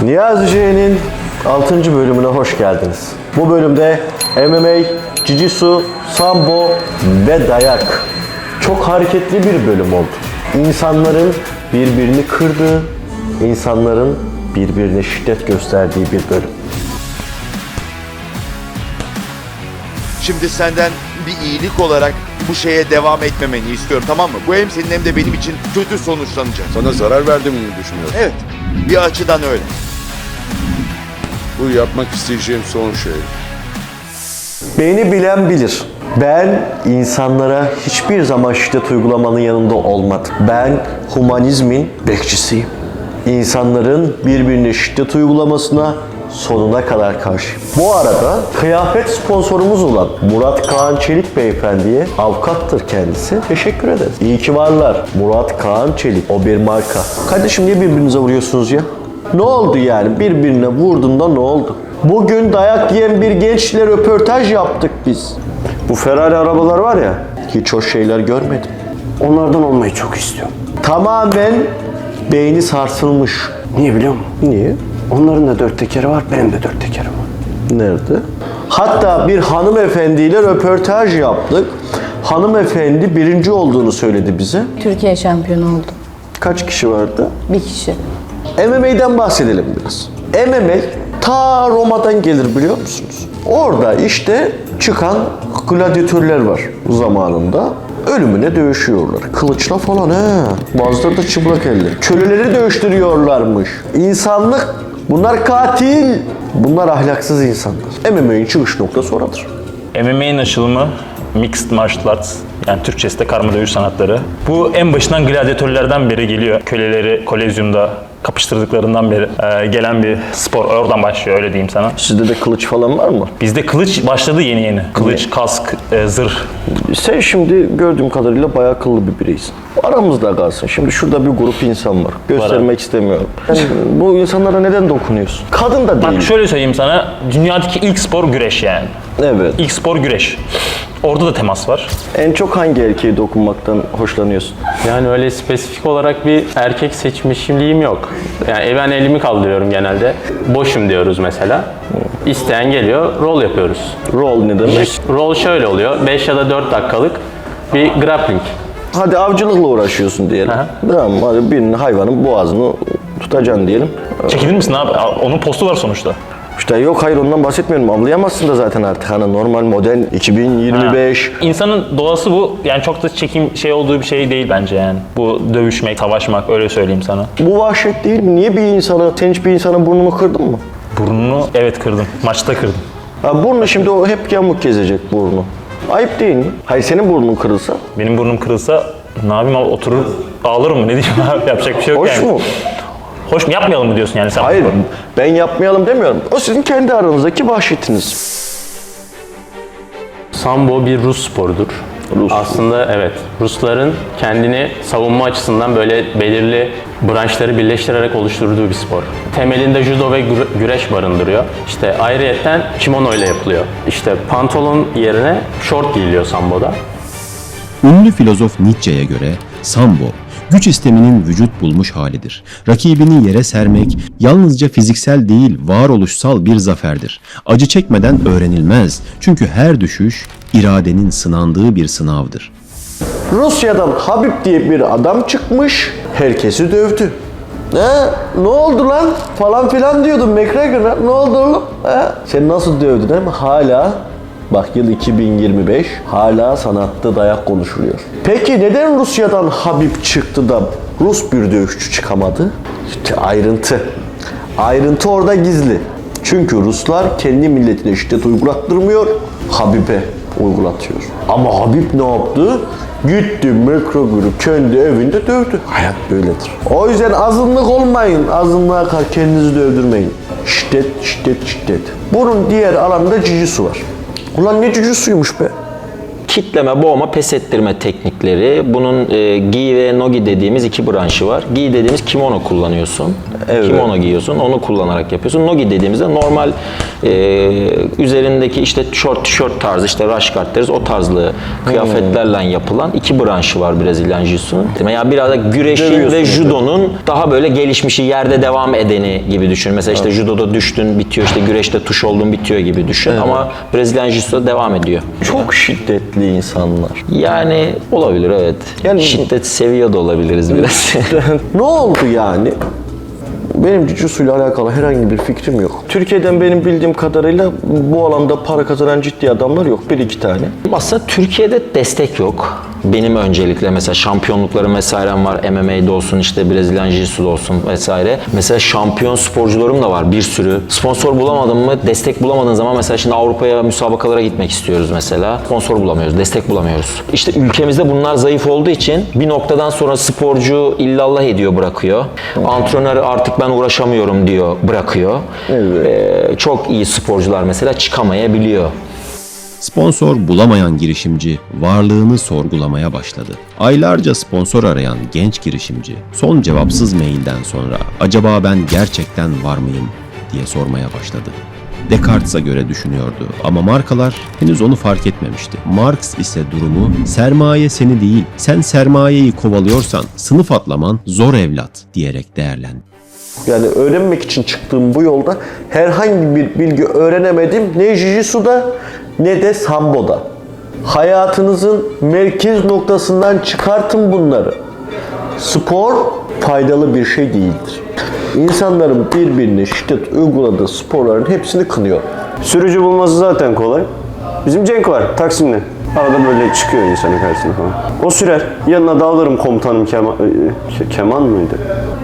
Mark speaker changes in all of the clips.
Speaker 1: Niyazi J'nin 6. bölümüne hoş geldiniz. Bu bölümde MMA, Jiu-Jitsu, Sambo ve dayak. Çok hareketli bir bölüm oldu. İnsanların birbirini kırdığı, insanların birbirine şiddet gösterdiği bir bölüm.
Speaker 2: Şimdi senden bir iyilik olarak bu şeye devam etmemeni istiyorum, tamam mı? Bu hem senin hem de benim için kötü sonuçlanacak.
Speaker 3: Sana zarar verdiğimi mi düşünüyorsun?
Speaker 2: Evet, bir açıdan öyle.
Speaker 3: Bu yapmak isteyeceğim son şey.
Speaker 1: Beni bilen bilir. Ben insanlara hiçbir zaman şiddet uygulamanın yanında olmadım. Ben humanizmin bekçisiyim. İnsanların birbirine şiddet uygulamasına sonuna kadar karşıyım. Bu arada kıyafet sponsorumuz olan Murat Kaan Çelik beyefendiye, avukattır kendisi. Teşekkür ederiz. İyi ki varlar. Murat Kaan Çelik, o bir marka. Kardeşim niye birbirinize vuruyorsunuz ya? Ne oldu yani? Birbirine vurduğunda ne oldu? Bugün dayak yiyen bir gençle röportaj yaptık biz. Bu Ferrari arabalar var ya, hiç hoş şeyler görmedim.
Speaker 4: Onlardan olmayı çok istiyorum.
Speaker 1: Tamamen beyni sarsılmış.
Speaker 4: Niye biliyor musun?
Speaker 1: Niye?
Speaker 4: Onların da 4 tekeri var, benim de 4 tekerim var.
Speaker 1: Nerede? Hatta bir hanımefendiyle röportaj yaptık. Hanımefendi birinci olduğunu söyledi bize.
Speaker 5: Türkiye şampiyonu oldu.
Speaker 1: Kaç kişi vardı?
Speaker 5: Bir kişi.
Speaker 1: MMA'den bahsedelim biraz. MMA ta Roma'dan gelir biliyor musunuz? Orada işte çıkan gladyatörler var zamanında. Ölümüne dövüşüyorlar. Kılıçla falan he. Bazıları da çıplak elle. Köleleri dövüştürüyorlarmış. İnsanlık. Bunlar katil. Bunlar ahlaksız insanlar. MMA'nin çıkış noktası oradır.
Speaker 6: MMA'nin açılımı Mixed Martial Arts, yani Türkçesi de karma dövüş sanatları. Bu en başından gladyatörlerden beri geliyor. Köleleri Kolezyum'da kapıştırdıklarından beri gelen bir spor. Oradan başlıyor, öyle diyeyim sana.
Speaker 1: Sizde de kılıç falan var mı?
Speaker 6: Bizde kılıç başladı yeni. Kılıç, kask, zırh.
Speaker 1: Sen şimdi gördüğüm kadarıyla bayağı akıllı bir bireysin. Aramızda kalsın. Şimdi şurada bir grup insan var. Göstermek istemiyorum. Yani bu insanlara neden dokunuyorsun? Kadın da değil.
Speaker 6: Bak şöyle söyleyeyim sana, dünyadaki ilk spor güreş yani.
Speaker 1: Evet.
Speaker 6: İlk spor güreş. Orada da temas var.
Speaker 1: En çok hangi erkeğe dokunmaktan hoşlanıyorsun?
Speaker 7: Yani öyle spesifik olarak bir erkek seçmişliğim yok. Yani ben elimi kaldırıyorum genelde. Boşum diyoruz mesela. İsteyen geliyor, rol yapıyoruz.
Speaker 1: Rol ne demek?
Speaker 7: Rol şöyle oluyor, 5 ya da 4 dakikalık bir grappling.
Speaker 1: Hadi avcılıkla uğraşıyorsun diyelim.
Speaker 7: Aha.
Speaker 1: Tamam, hadi birinin hayvanın boğazını tutacaksın diyelim.
Speaker 6: Çekilir misin abi? Onun postu var sonuçta.
Speaker 1: İşte yok hayır ondan bahsetmiyorum. Avlayamazsın da zaten artık. Hani normal model 2025.
Speaker 6: İnsanın doğası bu. Yani çok da çekim şey olduğu bir şey değil bence yani. Bu dövüşmek, savaşmak, öyle söyleyeyim sana.
Speaker 1: Bu vahşet değil mi? Niye bir insanı, sen hiç bir insanın burnunu kırdın mı?
Speaker 6: Burnunu evet kırdım. Maçta kırdım.
Speaker 1: Ha, burnu şimdi o hep yamuk gezecek burnu. Ayıp değil mi? Hayır senin burnun kırılsa.
Speaker 6: Benim burnum kırılsa ne yapayım abi, oturur ağlarım mı, ne diyeyim abi, yapacak bir şey yok
Speaker 1: Hoş
Speaker 6: yani.
Speaker 1: mu?
Speaker 6: Hoş mu, yapmayalım mı diyorsun yani sen?
Speaker 1: Hayır ben yapmayalım demiyorum. O sizin kendi aranızdaki vahşetiniz.
Speaker 7: Sambo bir Rus sporudur. Aslında evet, Rusların kendini savunma açısından böyle belirli branşları birleştirerek oluşturduğu bir spor. Temelinde judo ve güreş barındırıyor. İşte ayrıyetten kimono ile yapılıyor. İşte pantolon yerine şort giyiliyor Sambo'da.
Speaker 8: Ünlü filozof Nietzsche'ye göre Sambo, güç isteminin vücut bulmuş halidir. Rakibini yere sermek yalnızca fiziksel değil, varoluşsal bir zaferdir. Acı çekmeden öğrenilmez. Çünkü her düşüş iradenin sınandığı bir sınavdır.
Speaker 1: Rusya'dan Habib diye bir adam çıkmış, herkesi dövdü. Ne oldu lan falan filan diyordun McGregor'a. Ne oldu oğlum? Sen nasıl dövdün ama hala bak yıl 2025 hala sanatta dayak konuşuluyor. Peki neden Rusya'dan Habib çıktı da Rus bir dövüşçü çıkamadı? İşte ayrıntı. Ayrıntı orada gizli. Çünkü Ruslar kendi milletine şiddet uygulattırmıyor, Habib'e uygulatıyor. Ama Habib ne yaptı? Gitti McGregor'u kendi evinde dövdü. Hayat böyledir. O yüzden azınlık olmayın. Azınlığa karşı kendinizi dövdürmeyin. Şiddet, şiddet, şiddet. Bunun diğer alanda jiu-jitsu var. Ulan ne jiu-jitsu'ymuş be?
Speaker 9: Kitleme, boğma, pes ettirme teknikleri. Bunun gi ve nogi dediğimiz iki branşı var. Gi dediğimiz kimono kullanıyorsun.
Speaker 1: Evet.
Speaker 9: Kimono giyiyorsun, onu kullanarak yapıyorsun. Nogi dediğimizde normal üzerindeki işte short tişört tarzı, işte raşkart deriz, o tarzlı kıyafetlerle yapılan iki branşı var Brezilyan Jiu-Jitsu'nun. Yani biraz da güreşin ve judonun daha böyle gelişmişi, yerde devam edeni gibi düşün. Mesela işte judoda düştün bitiyor, işte güreşte tuş oldun bitiyor gibi düşün. Ama Brezilyan Jiu-Jitsu'da devam ediyor.
Speaker 1: Çok şiddetli insanlar.
Speaker 9: Yani olabilir, evet.
Speaker 1: Yani-
Speaker 9: Şiddet seviyor da olabiliriz biraz.
Speaker 1: Ne oldu yani? Benim Jiu-Jitsu ile alakalı herhangi bir fikrim yok. Türkiye'den benim bildiğim kadarıyla bu alanda para kazanan ciddi adamlar yok. Bir iki tane.
Speaker 9: Aslında Türkiye'de destek yok. Benim öncelikle mesela şampiyonluklarım vesairem var. MMA'de olsun, işte Brezilyan Jiu-Jitsu'da olsun vesaire. Mesela şampiyon sporcularım da var bir sürü. Sponsor bulamadım mı, destek bulamadığın zaman mesela şimdi Avrupa'ya müsabakalara gitmek istiyoruz mesela. Sponsor bulamıyoruz, destek bulamıyoruz. İşte ülkemizde bunlar zayıf olduğu için bir noktadan sonra sporcu illallah ediyor, bırakıyor. Antrenör artık ben uğraşamıyorum diyor, bırakıyor. Çok iyi sporcular mesela çıkamayabiliyor.
Speaker 8: Sponsor bulamayan girişimci varlığını sorgulamaya başladı. Aylarca sponsor arayan genç girişimci son cevapsız mailden sonra acaba ben gerçekten var mıyım diye sormaya başladı. Descartes'a göre düşünüyordu ama markalar henüz onu fark etmemişti. Marx ise durumu sermaye seni değil, sen sermayeyi kovalıyorsan sınıf atlaman zor evlat diyerek değerlendi.
Speaker 1: Yani öğrenmek için çıktığım bu yolda herhangi bir bilgi öğrenemedim. Ne Jiu-Jitsu'da ne de Sambo'da. Hayatınızın merkez noktasından çıkartın bunları. Spor faydalı bir şey değildir. İnsanların birbirine şiddet uyguladığı sporların hepsini kınıyor.
Speaker 4: Sürücü bulması zaten kolay. Bizim Cenk var Taksim'de. Arada böyle çıkıyor insanın karşısına falan. O sürer. Yanına da alırım komutanım Keman mıydı?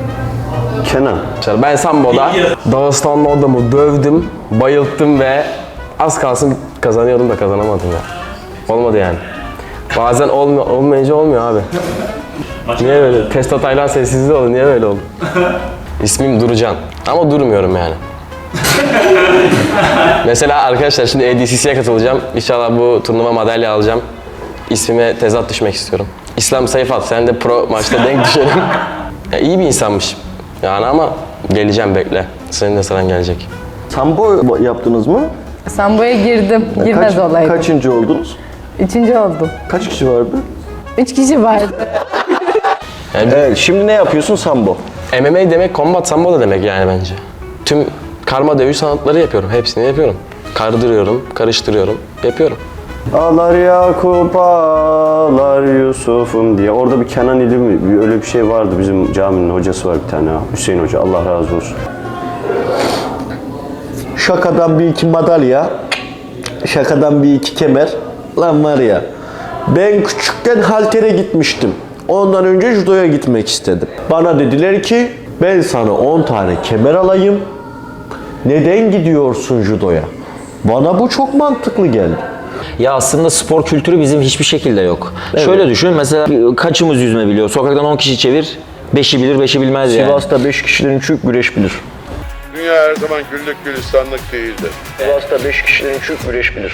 Speaker 4: Kenan.
Speaker 5: Ben Sambo'da Dağıstanlı adamı dövdüm, bayılttım ve az kalsın kazanıyordum da kazanamadım ya. Olmadı yani. Bazen olmayınca olmuyor abi. Niye böyle? Testo Taylan sessizliği oldu. Niye böyle oldu? İsmim Durucan. Ama durmuyorum yani. Mesela arkadaşlar şimdi ADCC'ye katılacağım. İnşallah bu turnuva madalya alacağım. İsmime tezat düşmek istiyorum. İslam Sayfat, sen de pro maçta denk düşelim. Ya iyi bir insanmış. Yani ama geleceğim, bekle. Senin de sıran gelecek.
Speaker 1: Sambo yaptınız mı?
Speaker 10: Sambo'ya girdim. Girmez olaydım.
Speaker 1: Kaçıncı oldunuz?
Speaker 10: 3. oldum.
Speaker 1: Kaç kişi vardı?
Speaker 10: 3 kişi vardı.
Speaker 5: Yani
Speaker 1: Evet, şimdi ne yapıyorsun Sambo?
Speaker 5: MMA demek combat sambo da demek yani bence. Tüm karma dövüş sanatları yapıyorum. Hepsini yapıyorum. Kardırıyorum, karıştırıyorum, yapıyorum.
Speaker 4: Ağlar Yakup ağlar Yusuf'um diye. Orada bir Kenan idi mi? Öyle bir şey vardı. Bizim caminin hocası var bir tane. Hüseyin Hoca. Allah razı olsun.
Speaker 1: Şakadan bir iki madalya, şakadan bir iki kemer. Lan var ya, ben küçükken haltere gitmiştim. Ondan önce judoya gitmek istedim. Bana dediler ki, ben sana 10 tane kemer alayım. Neden gidiyorsun judoya? Bana bu çok mantıklı geldi.
Speaker 9: Ya aslında spor kültürü bizim hiçbir şekilde yok. Şöyle düşün, mesela kaçımız yüzme biliyor? Sokaktan 10 kişi çevir, 5'i bilir, 5'i bilmez yani.
Speaker 1: Sivas'ta 5 kişiden 3'ü güreş bilir.
Speaker 3: Dünya her zaman güllük gülistanlık değildir.
Speaker 1: Sivas'ta 5 kişiden 3'ü güreş bilir.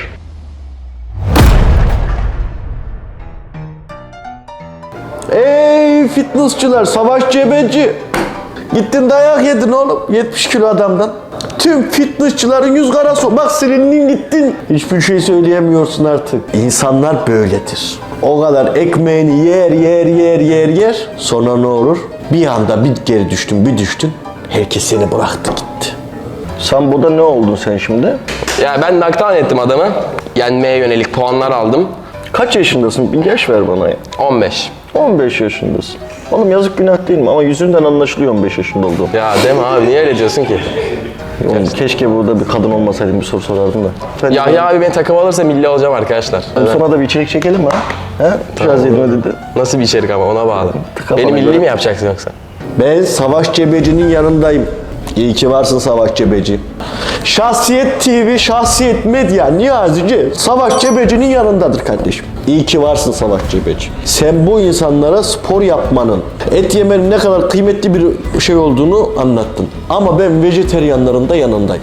Speaker 1: Ey fitnessçılar, Savaş Cebeci. Gittin dayak yedin oğlum 70 kilo adamdan. Tüm fitnessçıların yüz karası. Bak silindin gittin. Hiçbir şey söyleyemiyorsun artık. İnsanlar böyledir. O kadar ekmeğini yer. Sonra ne olur? Bir anda bir geri düştün, bir düştün. Herkes seni bıraktı gitti. Sambo'da ne oldun sen şimdi?
Speaker 5: Ya ben naktan ettim adamı. Yenmeye yönelik puanlar aldım.
Speaker 1: Kaç yaşındasın? Bir yaş ver bana ya.
Speaker 5: 15.
Speaker 1: 15 yaşındasın. Oğlum yazık günah değil mi? Ama yüzünden anlaşılıyor 15 yaşında olduğum.
Speaker 5: Ya deme abi, niye öyle diyorsun ki?
Speaker 1: Oğlum, keşke burada bir kadın olmasaydım, bir soru sorardım da.
Speaker 5: Yahya abi beni takım alırsa milli olacağım arkadaşlar.
Speaker 1: Sonra da bir içerik çekelim mi ha? He? Biraz elime dedi.
Speaker 5: Nasıl bir içerik ama, ona bağlı.
Speaker 1: Tıka
Speaker 5: Beni
Speaker 1: bana
Speaker 5: milli
Speaker 1: göre.
Speaker 5: mi yapacaksın yoksa?
Speaker 1: Ben Savaş Cebeci'nin yanındayım. İyi ki varsın Savaş Cebeci. Şahsiyet TV, Şahsiyet Medya, Niyazici, Savaş Cebeci'nin yanındadır kardeşim. İyi ki varsın Savaş Cebeci. Sen bu insanlara spor yapmanın, et yemenin ne kadar kıymetli bir şey olduğunu anlattın. Ama ben vejeteryanların da yanındayım.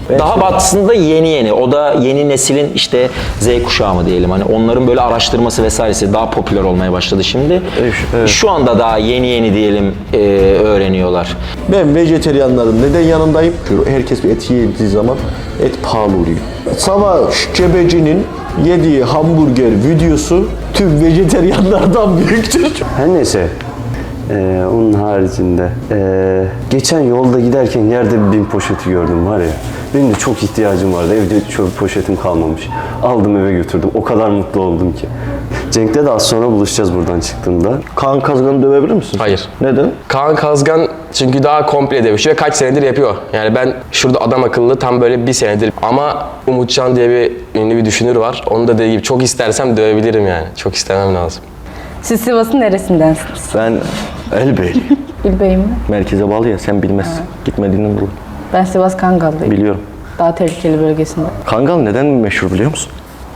Speaker 9: Daha batısında yeni. O da yeni neslin işte Z kuşağı mı diyelim. Hani onların böyle araştırması vesairesi daha popüler olmaya başladı şimdi.
Speaker 1: Evet.
Speaker 9: Şu anda daha yeni diyelim öğreniyorlar.
Speaker 1: Ben vejeteryanların neden yanındayım? Herkes bir et yediği zaman et pahalı oluyor. Savaş Cebeci'nin yediği hamburger videosu tüm vejeteryanlardan büyüktür.
Speaker 4: Her neyse. Onun haricinde geçen yolda giderken yerde bir BİM poşeti gördüm var ya. Benim de çok ihtiyacım vardı. Evde çöp poşetim kalmamış. Aldım eve götürdüm. O kadar mutlu oldum ki. Cenk'le de az sonra buluşacağız buradan çıktığımda.
Speaker 1: Kaan Kazgan'ı dövebilir misin?
Speaker 5: Hayır.
Speaker 1: Neden?
Speaker 5: Kaan Kazgan çünkü daha komple dövüşüyor. Kaç senedir yapıyor. Yani ben şurada adam akıllı tam böyle bir senedir. Ama Umutcan diye bir ünlü bir düşünür var. Onu da dediği gibi çok istersem dövebilirim yani. Çok istemem lazım.
Speaker 10: Siz Sivas'ın neresindensiniz?
Speaker 1: Ben Elbeyli.
Speaker 10: İlbey mi?
Speaker 1: Merkeze bağlı ya sen bilmezsin. Gitmediğinden dolayı.
Speaker 10: Ben Sivas Kangal'dayım.
Speaker 1: Biliyorum.
Speaker 10: Daha tehlikeli bölgesinde.
Speaker 1: Kangal neden meşhur biliyor musun?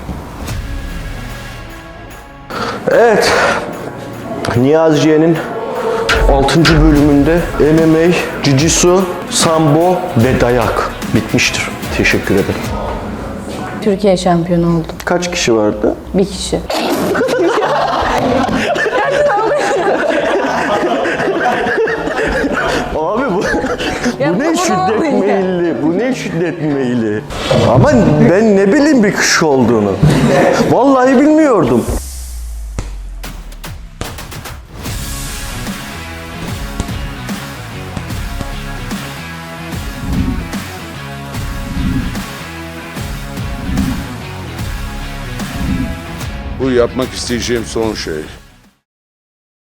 Speaker 1: Evet. Niyaziye'nin 6. bölümünde MMA, Jiu-Jitsu, Sambo ve dayak bitmiştir. Teşekkür ederim.
Speaker 10: Türkiye şampiyonu oldu.
Speaker 1: Kaç kişi vardı?
Speaker 10: Bir kişi.
Speaker 1: Abi bu
Speaker 10: Ya
Speaker 1: bu ne
Speaker 10: bu
Speaker 1: şiddet
Speaker 10: ne oluyor?
Speaker 1: meyilli? Bu ne şiddet meyilli? Ama ben ne bileyim bir kişi olduğunu. Vallahi bilmiyordum.
Speaker 3: Bu yapmak isteyeceğim son şey.